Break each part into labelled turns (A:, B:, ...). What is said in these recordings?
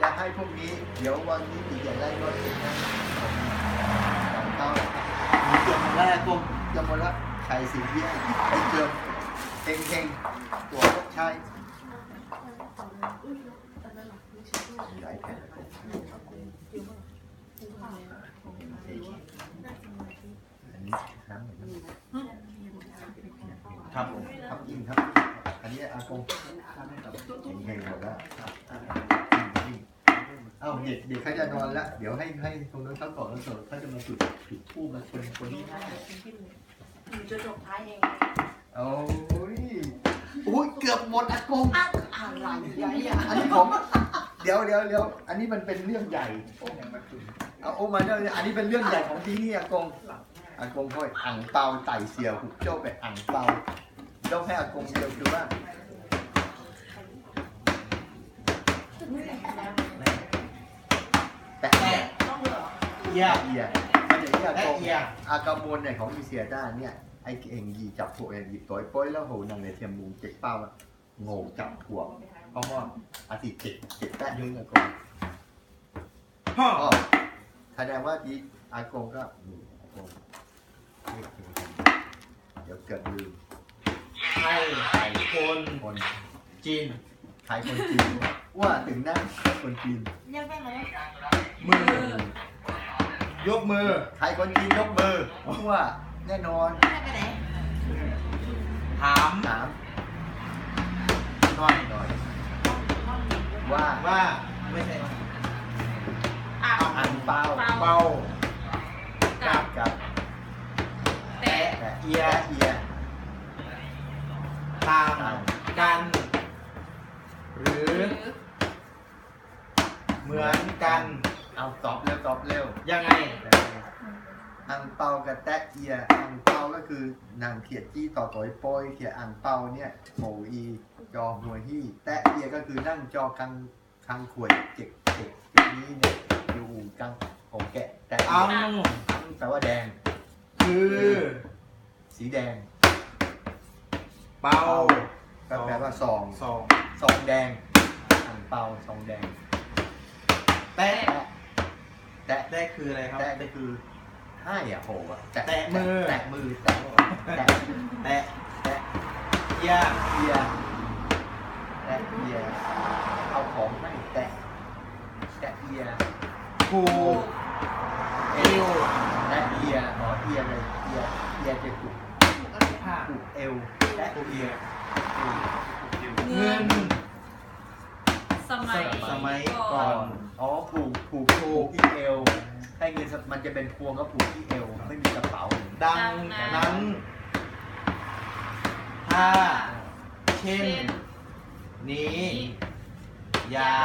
A: จะให้พวกนี้เดี๋ยววันนี้ตีจะได้รถเองนะเอามีเกือบหมดแล้วกลมเกือบหมดแล้วใครสิ่งที่ไอ้เกือบเฮงตัวพวกชายหลายแผ่นอันนี้น้ำครับครับจริงครับอันนี้อากงเฮงหมดแล้วเอ้าเด็กเขาจะนอนแล้วเดี๋ยวให้ตรงนั้นเขาก่อนแล้วเสร็จเขาจะมาจุดธูปมาคนนี้
B: จะจบท้ายเอง
A: โอ้ยเกือบหมดอากง
B: อะไรใหญ่
A: อันนี้ผมเดี๋ยวอันนี้มันเป็นเรื่องใหญ่เอามาเนี่ยอันนี้เป็นเรื่องใหญ่ของที่นี่อากงค่อยอ่างเปาไต่เสียวหุบโจ้ไปอ่างเปาเจ้าแค่อากงเดียวคือว่าแต่เอียมันจะเอียกงอากาโมนเนี่ยของอีเซียด้าเนี่ยไอ้เองยีจับถั่วเองหยิบตัวป้อยแล้วโหนังในเทียมมุงเจ็บเป้าโง่จับถั่วเพราะว่าอาทิตย์เจ็บแป๊ะยุ่งอากงแสดงว่าที่อากงก็อากงเดี๋ยวเกิดลืม
C: ไทยคนจีน
A: ไทยคนจีนว่าถึงนั่งคนจีน
B: เรียกได้ไหม
C: มือยกมือ
A: ไทยคนจีนยกมือว่าแน่นอน
B: เรียกไปไหน
C: ถาม
A: น้อยว่า
C: ไม่ใช่
A: อันเปากับ
C: แต่เอียต่างกันหรือเหมือนกัน
A: เอาตอบเร็ว
C: ยังไง
A: อังเปากับแตะเอียอังเปาก็คือนางเขียดจี้ต่อต่อยโป้ยเขียดอังเปาเนี่ยโหอีจอหัวฮี่แตะเอียก็คือนั่งจอคังขวดเจ็กนี้เนี่ยอยู่กังของแกะแต่
C: อัง
A: แปลว่าแดง
C: คือ
A: สีแดง
C: เปา
A: แปลว่าซองแดงอังเปาซองแดงแตะ
C: คืออะไรครับ
A: แตะคือให้อ่ะโหอ่ะแตะ
C: มือ
A: แตะเอียเอาของให้แตะเอีย
C: ผูกเอว
A: แตะเอียเอียเลยเอียจะผูกเอวแตะเอีย
C: เงิน
B: สมัย
C: ก่อน
A: ผูกที่เอวให้เงินมันจะเป็นพวงก็ผูกที่เอวไม่มีกระเป๋า
C: ดังนั้นถ้าเช่นนี้อย่า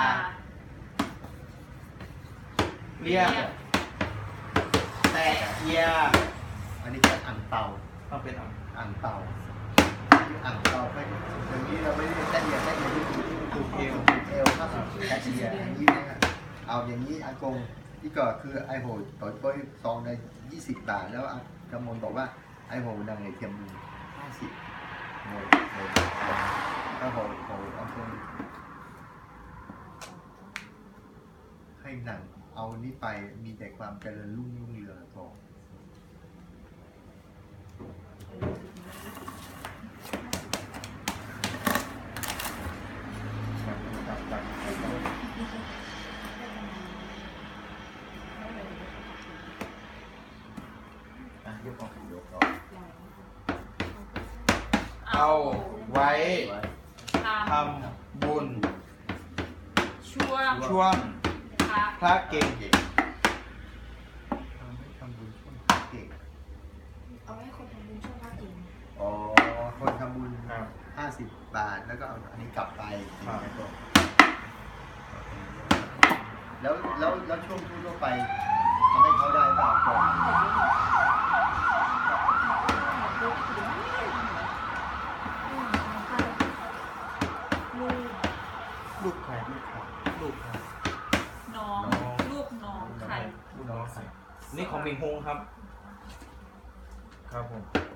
C: เรียกแต่เอีย
A: อันนี้แค่อ่างเปา
C: ต้องเป็น
A: อ่างเปาไปอย่างนี้เราไม่ได้แตะเอียที่ผูกเอวครับแตะเอียอย่างนี้นะเอาอย่างนี้อากงที่ก็คือไอโหต่อยป้อยซองใน20 บาทแล้วกำมลบอกว่าไอโหดังในเทียมมือ50โหถ้าโหอากงให้หนังเอานี่ไปมีแต่ความเจริญรุ่งเรืองก่อน
C: เอาไว้ทำบุญช่วงพระเก่ง
A: ทำบุญช่วงพระเก่ง
B: เอาให้คนทำบุญช่วงพระเก่ง
A: คนทำบุญ50 บาทแล้วก็เอาอันนี้กลับไปแล้วช่วงทั่วไปทำให้เขาได้บ้างก่อน
C: ลูกใคร
B: น้องใคร
C: นี่ของมิงฮงครับผม